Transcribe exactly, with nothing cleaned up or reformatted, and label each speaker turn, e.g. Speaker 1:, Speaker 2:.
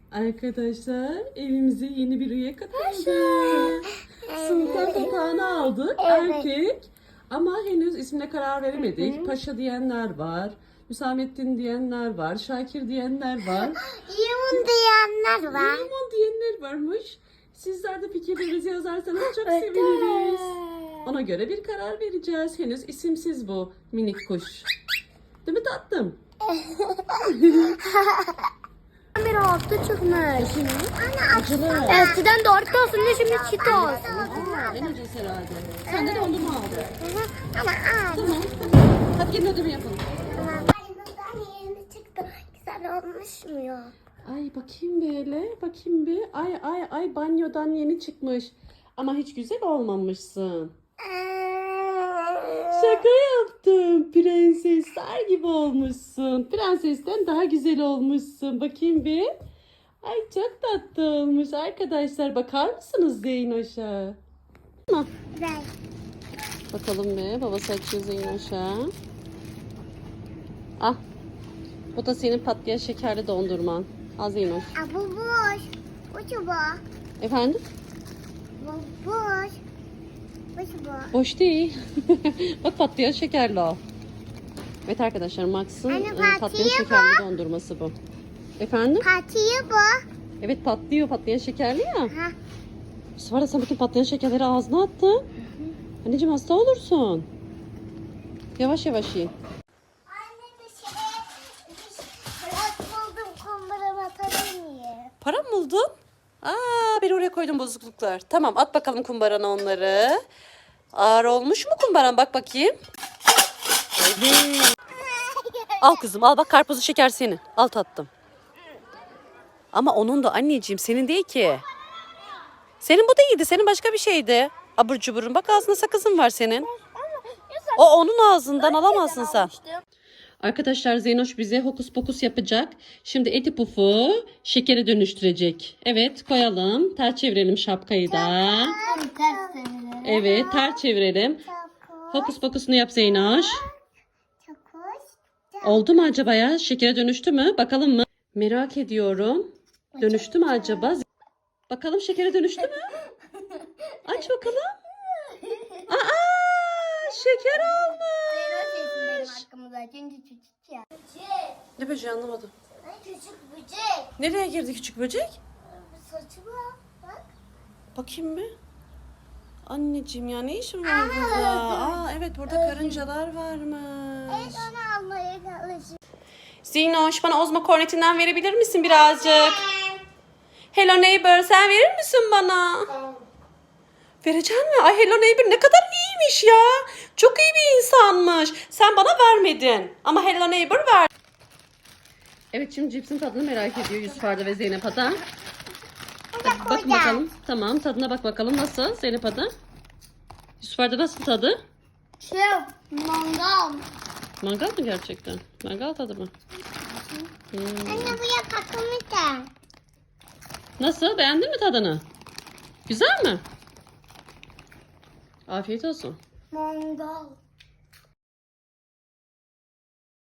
Speaker 1: Arkadaşlar evimize yeni bir üye katıldı. Sultan papağanı aldık.
Speaker 2: Evet.
Speaker 1: Erkek. Ama henüz ismine karar veremedik. Paşa diyenler var. Hüsamettin diyenler var. Şakir diyenler var.
Speaker 2: Limon diyenler var.
Speaker 1: Limon diyenler varmış. Sizler de fikirlerinizi yazarsanız çok seviniriz. Ona göre bir karar vereceğiz. Henüz isimsiz bu minik kuş. Değil mi tatlım?
Speaker 2: Bir hafta çıkmış.
Speaker 1: Acılı.
Speaker 2: Eskiden dört olsun da şimdi çit olsun.
Speaker 1: En ucuz herhalde. Sen de dondurma aldın.
Speaker 2: Ama az.
Speaker 1: Tamam. Hadi gelin ödeme yapalım.
Speaker 2: Ay yeni çıktı. Güzel olmuş mu ya?
Speaker 1: Ay bakayım böyle. Bakayım bir. Ay ay ay banyodan yeni çıkmış. Ama hiç güzel olmamışsın. Şaka yaptım. Prensesler gibi olmuşsun. Prensesten daha güzel olmuşsun. Bakayım bir. Ay çok tatlı olmuş. Arkadaşlar bakar mısınız Zeynoş'a?
Speaker 2: Güzel.
Speaker 1: Bakalım bir. Babası açıyor Zeynoş'a. Ah. Bu da senin patlayan şekerli dondurman. Al Zeynoş.
Speaker 2: Aa, bu boş. Bu çubuğu.
Speaker 1: Efendim?
Speaker 2: Bu boş. Bu çubuğu.
Speaker 1: Boş değil. Bak patlayan şekerli o. Evet arkadaşlar Max'ın
Speaker 2: Anne,
Speaker 1: e, patlayan
Speaker 2: patlıyor
Speaker 1: şekerli dondurması bu. Efendim?
Speaker 2: Patiği bu.
Speaker 1: Evet patlıyor, patlayan şekerli ya.
Speaker 2: Ha.
Speaker 1: Bu sefer de sen bütün patlayan şekerleri ağzına attın. Anneciğim hasta olursun. Yavaş yavaş ye.
Speaker 2: Anne bir şey. Biraz buldum kumbaramı atabilir miyim?
Speaker 1: Para mı buldun? Aa, ben oraya koydum bozukluklar. Tamam at bakalım kumbarana onları. Ağır olmuş mu kumbaran? Bak bakayım. Evet. Al kızım al bak karpuzlu şeker senin. Al tattım. Ama onun da anneciğim senin değil ki. Senin bu değildi. Senin başka bir şeydi. Abur cuburun. Bak ağzında sakızın var senin. O onun ağzından alamazsın sen. Arkadaşlar Zeynoş bize hokus pokus yapacak. Şimdi eti pufu şekere dönüştürecek. Evet koyalım. Ters çevirelim şapkayı da. Evet ters çevirelim. Hokus pokusunu yap Zeynoş.
Speaker 2: Çok hoş.
Speaker 1: Oldu mu acaba ya? Şekere dönüştü mü? Bakalım mı? Merak ediyorum. Dönüştü mü acaba? Bakalım şekere dönüştü mü? Aç bakalım. Aa, şeker olmuş. Ne böceği anlamadım.
Speaker 2: Küçük böcek.
Speaker 1: Nereye girdi küçük böcek?
Speaker 2: Saçıma bak.
Speaker 1: Bakayım bir. Anneciğim ya ne işin var burada? Aa evet burada karıncalar varmış.
Speaker 2: Evet onu almaya çalışıyorum.
Speaker 1: Zinoş bana Ozma kornetinden verebilir misin birazcık? Hello neighbor sen verir misin bana? Verecek mi? Ay Hello neighbor ne kadar iyiymiş ya. Çok iyi bir insanmış. Sen bana vermedin. Ama Hello neighbor ver. Evet şimdi cipsin tadını merak ediyor Yusuf Arda ve Zeynep Ada. Hadi bakın bakalım. Tamam tadına bak bakalım nasıl Zeynep Ada? Yusuf Arda nasıl tadı?
Speaker 2: Şey, mangal.
Speaker 1: Mangal mı gerçekten? Mangal tadı mı? Hmm.
Speaker 2: Anne bu yapakımı da.
Speaker 1: Nasıl? Beğendin mi tadını? Güzel mi? Afiyet olsun.
Speaker 2: Mangal.